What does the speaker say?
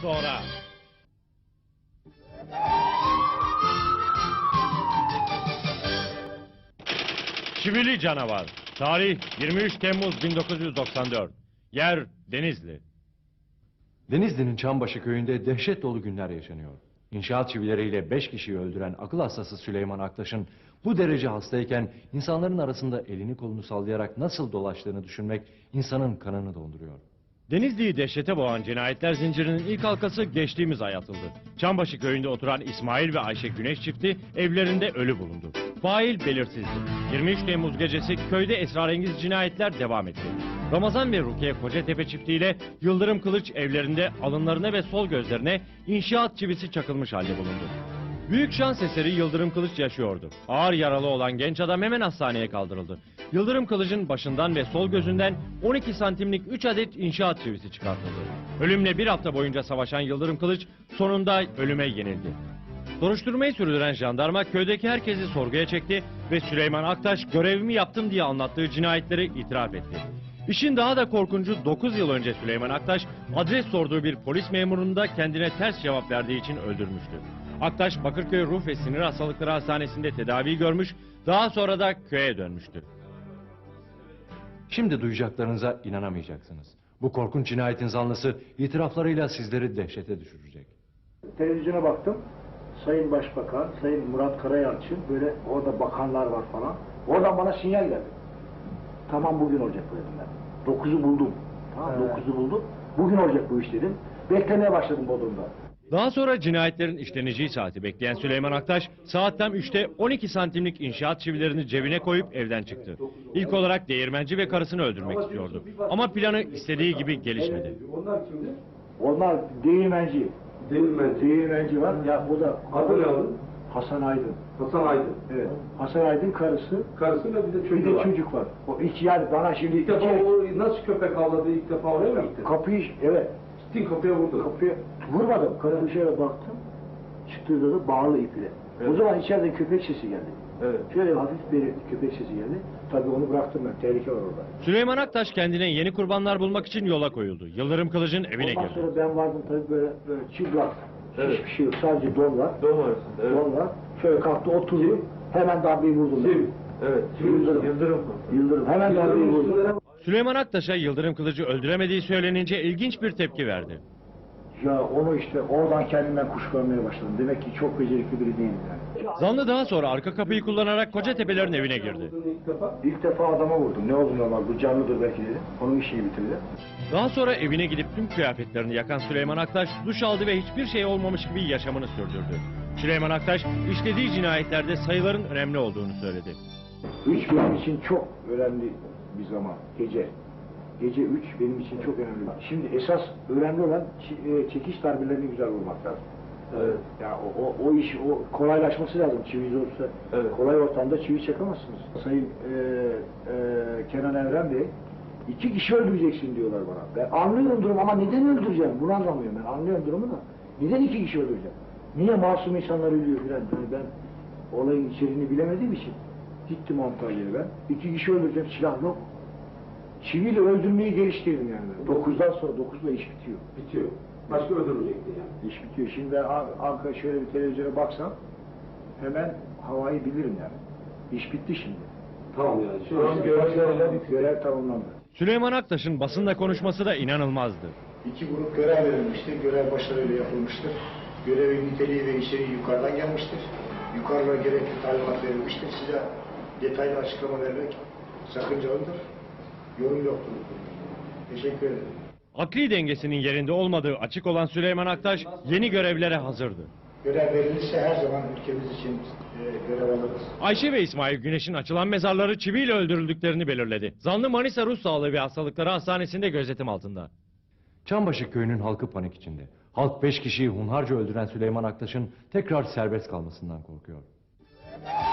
sonra. Çivili Canavar. Tarih 23 Temmuz 1994. Yer Denizli. Denizli'nin Çambaşı köyünde dehşet dolu günler yaşanıyor. İnşaat çivileriyle 5 kişiyi öldüren akıl hastası Süleyman Aktaş'ın bu derece hastayken insanların arasında elini kolunu sallayarak nasıl dolaştığını düşünmek insanın kanını donduruyor. Denizli'yi dehşete boğan cinayetler zincirinin ilk halkası geçtiğimiz ay atıldı. Çambaşı köyünde oturan İsmail ve Ayşe Güneş çifti evlerinde ölü bulundu. Fail belirsizdi. 23 Temmuz gecesi köyde esrarengiz cinayetler devam etti. Ramazan ve Rukiye Kocatepe çiftiyle Yıldırım Kılıç evlerinde alınlarına ve sol gözlerine inşaat çivisi çakılmış halde bulundu. Büyük şans eseri Yıldırım Kılıç yaşıyordu. Ağır yaralı olan genç adam hemen hastaneye kaldırıldı. Yıldırım Kılıç'ın başından ve sol gözünden 12 santimlik 3 adet inşaat çivisi çıkartıldı. Ölümle bir hafta boyunca savaşan Yıldırım Kılıç sonunda ölüme yenildi. Soruşturmayı sürdüren jandarma köydeki herkesi sorguya çekti ve Süleyman Aktaş görevimi yaptım diye anlattığı cinayetleri itiraf etti. İşin daha da korkuncu 9 yıl önce Süleyman Aktaş adres sorduğu bir polis memurunu da kendine ters cevap verdiği için öldürmüştü. Aktaş Bakırköy Ruh ve Sinir Hastalıkları Hastanesi'nde tedavi görmüş, daha sonra da köye dönmüştü. Şimdi duyacaklarınıza inanamayacaksınız. Bu korkunç cinayetin zanlısı itiraflarıyla sizleri dehşete düşürecek. Televizyona baktım. Sayın Başbakan, Sayın Murat Karayalçın, böyle orada bakanlar var falan. Oradan bana sinyal geldi. Tamam, bugün olacak bu dedim ben. 9'u buldum. Tamam, 9'u buldum. Bugün olacak bu iş dedim. Beklemeye başladım Bodrum'da. Daha sonra cinayetlerin işleneceği saati bekleyen Süleyman Aktaş saat tam 3'te 12 santimlik inşaat çivilerini cebine koyup evden çıktı. İlk olarak değirmenci ve karısını öldürmek istiyordu. Ama planı istediği gibi gelişmedi. Onlar kimdi? Onlar değirmenci. Değirmenci var. Ya o da Adı ne onun? Hasan Aydın. Hasan Aydın. Evet. Hasan Aydın karısı. Karısıyla bir de Bir çocuğu de var. çocuk var. O iki, yani bana şimdi İlk defa o nasıl köpek avladı, ilk defa oraya mı gitti? kapıyı, evet. Gittin kapıya vurdu. Kapıya vurmadım. Kapıyı şöyle baktım. Çıktığı da bağlı iple. Evet. O zaman içeride köpek sesi geldi. Evet. Şöyle hafif bir köpek sesi geldi. Tabii onu bıraktım ben. Tehlike var orada. Süleyman Aktaş kendine yeni kurbanlar bulmak için yola koyuldu. Yıldırım Kılıç'ın evine Ondan girdi. sonra ben vardım tabii böyle çıplak. Evet. Hiçbir şey yok. Sadece don var. Doğum arasında. Evet. Don var. Şöyle kalktı oturdu. Hemen darbeyi vurdum. Kim? Evet. Yıldırım. Yıldırım. Hemen darbeyi vurdum. Süleyman Aktaş'a Yıldırım Kılıç'ı öldüremediği söylenince ilginç bir tepki verdi. Ya onu işte oradan kendimden kuşkulanmaya başladım. Demek ki çok becerikli biri değilim yani. Zanlı daha sonra arka kapıyı kullanarak Kocatepe'lerin evine girdi. İlk defa. İlk defa adama vurdum. Ne oldu normal? Bu canlıdır belki dedim. Onun işini bitirdi. Daha sonra evine gidip tüm kıyafetlerini yakan Süleyman Aktaş duş aldı ve hiçbir şey olmamış gibi yaşamını sürdürdü. Süleyman Aktaş işlediği cinayetlerde sayıların önemli olduğunu söyledi. 3 benim için çok önemli bir zaman. Gece. Gece 3 benim için çok önemli. Şimdi esas önemli olan çekiş darbelerini güzel vurmak lazım. Evet. Ya o iş kolaylaşması lazım. Çivi zorsa Evet. kolay ortamda çivi çakamazsınız. Sayın Kenan Evren Bey 2 kişi öldüreceksin diyorlar bana. Ben anlıyorum durumu ama neden öldüreceğim? Bunu anlamıyorum ben. Anlıyorum durumu da. Neden 2 kişi öldüreceğim? Niye masum insanlar ölüyor filan? Yani ben olayın içeriğini bilemediğim için gittim Antalya'ya ben. 2 kişi öldüreceğim, silah yok. Çiviyle öldürmeyi geliştirdim yani. 9'dan sonra 9'la iş bitiyor. Bitiyor. Başka öldürmeyecekti yani. İş bitiyor. Şimdi ben Ankara şöyle bir televizyona baksam hemen havayı bilirim yani. İş bitti şimdi. Tamam yani. Şu an görev tamamlandı. Süleyman Aktaş'ın basında konuşması da inanılmazdı. 2 grup görev verilmiştir. Görev başarıyla yapılmıştır. Görevin niteliği ve içeriği yukarıdan gelmiştir. Yukarıda gerekli talimat verilmiştir. Size detaylı açıklama vermek sakıncalıdır. Yorum yoktur. Teşekkür ederim. Akli dengesinin yerinde olmadığı açık olan Süleyman Aktaş yeni görevlere hazırdı. Görev verilirse her zaman ülkemiz için görev alırız. Ayşe ve İsmail Güneş'in açılan mezarları çiviyle öldürüldüklerini belirledi. Zanlı Manisa Ruh Sağlığı ve Hastalıkları Hastanesi'nde gözetim altında. Çambaşı köyünün halkı panik içinde. Halk 5 kişiyi hunharca öldüren Süleyman Aktaş'ın tekrar serbest kalmasından korkuyor.